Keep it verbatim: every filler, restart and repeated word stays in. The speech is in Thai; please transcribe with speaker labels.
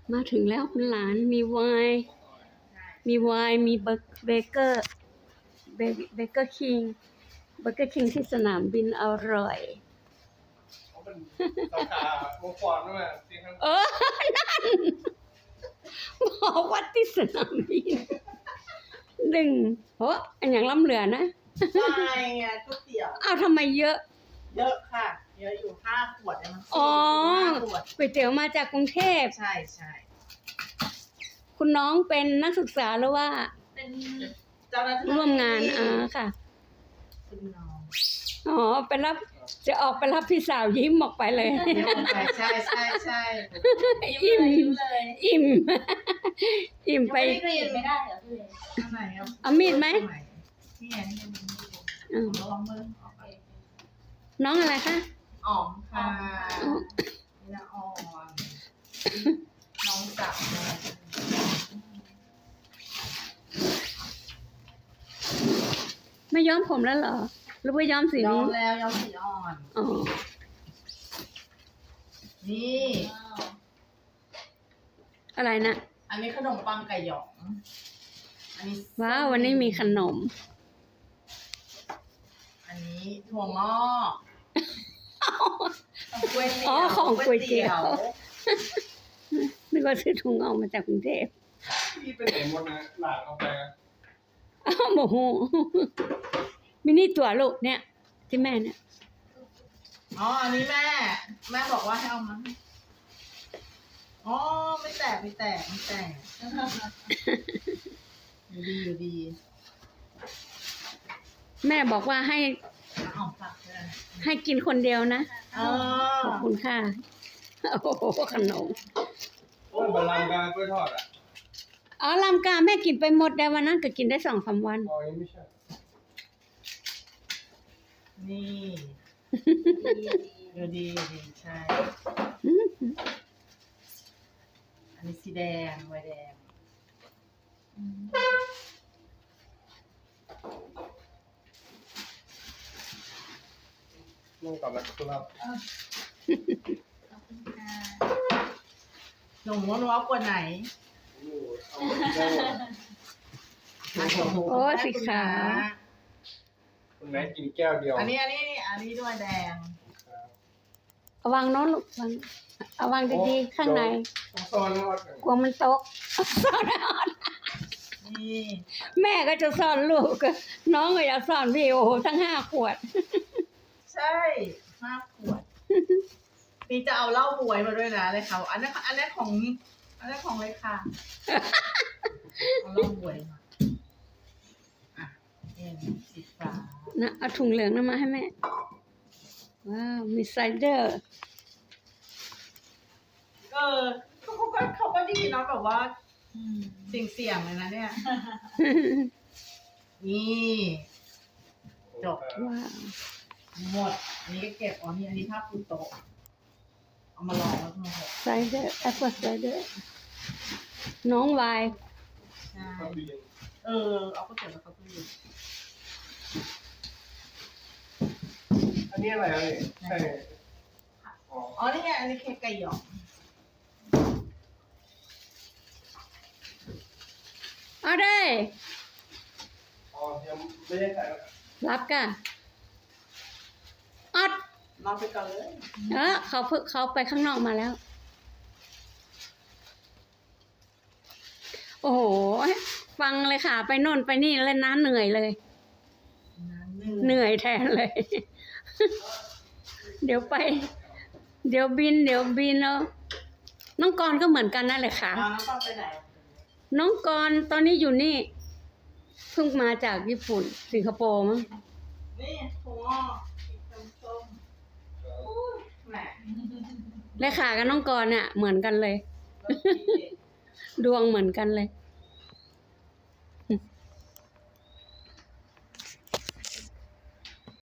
Speaker 1: มาถึงแล้วคุณหลานมีไวน์มีไวน์มีเบเบเกอร์เบเบเกอร์คิงเบเกอร์คิงที่สนามบินอร่อย
Speaker 2: เขาเป็นสาขาโมฟอนด้วยมั้ยจริงครับ
Speaker 1: เออนั่นบอกว่าที่สนามบินดึงโอ้อันอย่างล้ำเหลือนะ
Speaker 3: ใช่ไงก๋วยเตี๋ยว
Speaker 1: อ้าวทำไมเยอะ
Speaker 3: เยอะค่ะเยอะอยู่ห้าขวดเนี่ยมัน
Speaker 1: อ๋อ
Speaker 3: ห้าขวด
Speaker 1: ก๋วยเตี๋ยวมาจากกรุงเทพ
Speaker 3: ใช่ใช่
Speaker 1: คุณน้องเป็นนักศึกษาหรือว่า
Speaker 3: เป็นเจ้าหน้าที่
Speaker 1: ร่วมงานอ่าค่ะ
Speaker 3: คุณน้อง
Speaker 1: อ๋อไปรับจะออกไปรับพี่สาวยิ้มออกไปเลย
Speaker 3: ใช่ใช่ใช่
Speaker 1: อิ่ม
Speaker 3: เลย
Speaker 1: อิ่มอิ่มไป
Speaker 3: ไม่ได้ไม่ได้เหรอพี่ไหน
Speaker 1: เอามีดไหม
Speaker 3: นี่ไงนี่มันลองมือ
Speaker 1: น้องอะไรคะ
Speaker 3: อ๋อมค่ะละอ่อนน้องสาว
Speaker 1: ไม่ย้อมผมแล้วเหรอหรือว่าย้อมสี
Speaker 3: ย้อ
Speaker 1: นี้
Speaker 3: มแล้วย้อมสีอ่อน
Speaker 1: อ๋อ
Speaker 3: นี่
Speaker 1: อะไรนะ
Speaker 3: อันนี้ขนมปังไก่หยองอันนี้
Speaker 1: ว้าววันนี้มีขนม
Speaker 3: อันนี้ถั่วงอก
Speaker 1: อ๋อของก๋วยเตี๋ยวนึกว่าซื้อถุงออกมาจากกรุงเทพ
Speaker 2: พี่ไปไหนหมดนะหลานเอาไป
Speaker 1: อ้าวโมโหมินี่ตัวลูกเนี่ยที่แม่เนี่ย
Speaker 3: อ๋ออันนี้แม่แม่บอกว่าให้เอามาอ๋อไม่แตกไม่แตกไม่แตกอยู่ดีอยู่ดี
Speaker 1: แม่บอกว่าให้
Speaker 3: เอาฝากเลย
Speaker 1: ให้กินคนเดียวนะ
Speaker 3: ข
Speaker 1: อบคุณค่ะโอ้โหขนม
Speaker 2: โอ้ยบะลามกากล้วยทอดอ่ะ
Speaker 1: อ๋อลำกาแม่กินไปหมดแต่วันนั้นก็กินได้สองสามวัน
Speaker 2: อ๋อยังไม่ใช่
Speaker 3: นี่ดูดีดีใช่อันนี้สีแดงไวแดง
Speaker 2: นุ่งกับแล้วครับ
Speaker 3: หนูว่าหนูเอาขวดไหน
Speaker 1: โอ้สีขาว
Speaker 2: คุณแม่กินแก้วเดียว
Speaker 3: อันนี้อันนี้อันนี้ด้วยแดง
Speaker 1: เอาวางโน้นลูกวางเอาวางดีๆข้างใน
Speaker 2: ซ่อนอด
Speaker 1: กลัวมันตกซ่อนอด
Speaker 3: นี่
Speaker 1: แม่ก็จะซ่อนลูกน้องก็อยากซ่อนพี่โอ้โหทั้งห้าขวด
Speaker 3: ใช่ห้าขวดนี่จะเอาเหล้าบวยมาด้วยนะเลยค่ะอันนั้นอันนั้นของอันนั้นของเลยค่ะเอาเหล้าบวยมาอ่ะนี่สีฟ้า
Speaker 1: นะเอาถุงเหลืองนั่นมาให้แม่ว้าวมีไซเดอร์
Speaker 3: เออเขาก็เขาก็ดีเนาะแบบว่าเสี่ยงเสี่ยงเลยนะเนี่ยนี่จบ
Speaker 1: ว้าว
Speaker 3: หมดอันนี้ก็เก็บอ๋อนี่อันนี้ผ้าปูโต๊ะเอามาลองแล้วทั้งหมด
Speaker 1: ไซเดอร์แอปเปิลไซเดอร์น้องวาย
Speaker 3: ใช่เออเอาก็เก็บแล้วเขาตู้เย็น
Speaker 2: อันนี้อะไรอ่ะนี่ใช่
Speaker 3: อ๋อนี่ไงอันนี้เค้กไก่หยอง
Speaker 1: เอาได้
Speaker 2: อ๋อยังไม่ได้ใส่
Speaker 1: รับกันอัด
Speaker 3: มาไปก่อนเลย
Speaker 1: เออเขาเพิ่งเขาไปข้างนอกมาแล้วโอ้โหฟังเลยค่ะไปโน่นไปนี่แล้วน้าเหนื่อยเลยเหนื่อยแทนเลยเดี๋ยวไปเดี๋ยวบินเดี๋ยวบินแล้วน้องกรก็เหมือนกันนั่นแหละค่ะ
Speaker 3: น้องกรไปไหน
Speaker 1: น้องกรตอนนี้อยู่นี่เพิ่งมาจากญี่ปุ่นสิงคโปร์มั้ง
Speaker 3: นี่ถั่วส้มแหม
Speaker 1: เลขากับน้องกรเนี่ยเหมือนกันเลยดวงเหมือนกันเลย